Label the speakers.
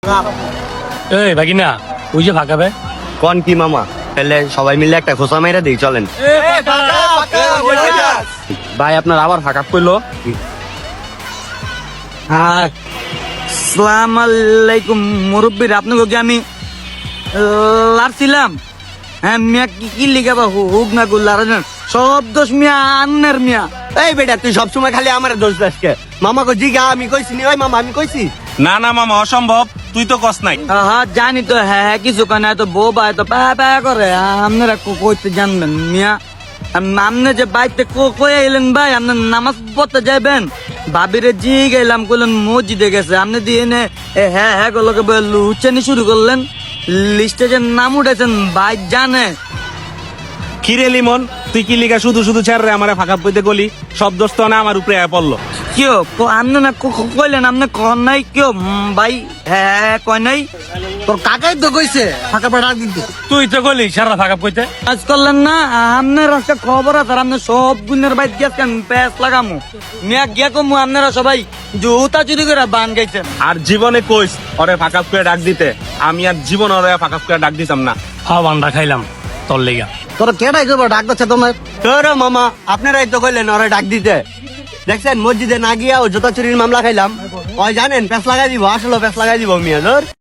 Speaker 1: এই ভাগিনা ওই যে ফাঁকাবে
Speaker 2: কোন কি মামা তাহলে সবাই মিলে একটা খোসা মেরে দিই চলেন।
Speaker 3: ভাই আপনার আবার ফাঁকা করলো।
Speaker 4: আসসালাম আলাইকুম মুরব্বীর, আপনাকে আমি লাড়ছিলাম। হ্যাঁ মিয়া, কি লিখাবা হুক না গুল সব দোষ মিয়া আন্নের মিয়া।
Speaker 2: এই বেটা তুই সবসময় খালি আমার দোষ দাসকে মামাকে জিগা আমি কইছি নি। ওই মামা আমি কইছি
Speaker 3: না না মামা অসম্ভব, তুই তো কস নাই।
Speaker 4: হ্যাঁ জানি তো, হ্যাঁ কিছু কেন এত বউ বা এত পা পা করে আপনারা কইতে জানবেন মিয়া। আপনি যে বাইতে কয়ে এলেন ভাই, আপনি নামাজ পড়তে যাইবেন, ভাবিরে জি গেলাম করলেন মসজিদে গেছে, আপনি দিয়ে এনে হ্যাঁ হ্যাঁ গুলোকে লুচানি শুরু করলেন। লিস্টে যে নাম উঠেছেন ভাই জানে।
Speaker 3: কিরে লিমন, তুই কি লিগা শুধু শুধু ছেড়ে রে আমারে ফাঁকা পইতে গলি? সব দোষ তো না আমার উপরে আয়া পড়লো।
Speaker 4: কেউ আপনি না কইলেন আপনি কন নাই কেউ ভাই? হ্যাঁ কয় নাই,
Speaker 5: তোর কাকাই তো কইছে ফাঁকা পেটা দিতে।
Speaker 1: তুই তো গলি সারা ফাঁকা পইতে
Speaker 4: কাজ করলেন না। আপনার একটা খবর আছে, আপনার সব গুণের বাইক গেছেন প্যাস লাগামু মিয়া গিয়া কমু। আপনারা সবাই জুতা চুরি করে বান গাইছেন।
Speaker 3: আর জীবনে কইস ওরে ফাঁকা করে ডাক দিতে, আমি আর জীবন ওরে ফাঁকা করে ডাক দিতাম না।
Speaker 1: হাওয়া বান্ডা খাইলাম তোর লেগা।
Speaker 5: তোর কেটাই করবো ডাক দিচ্ছে তোমার?
Speaker 2: তোর মামা আপনারাই তো কইলেন ওরে ডাক দিতে। দেখছেন মসজিদে না গিয়া ও জুতা চুরির মামলা খাইলাম। ওই জানেন প্যাস লাগাই দিব, আসলে প্যাস লাগাই দিব মিয়া ধর।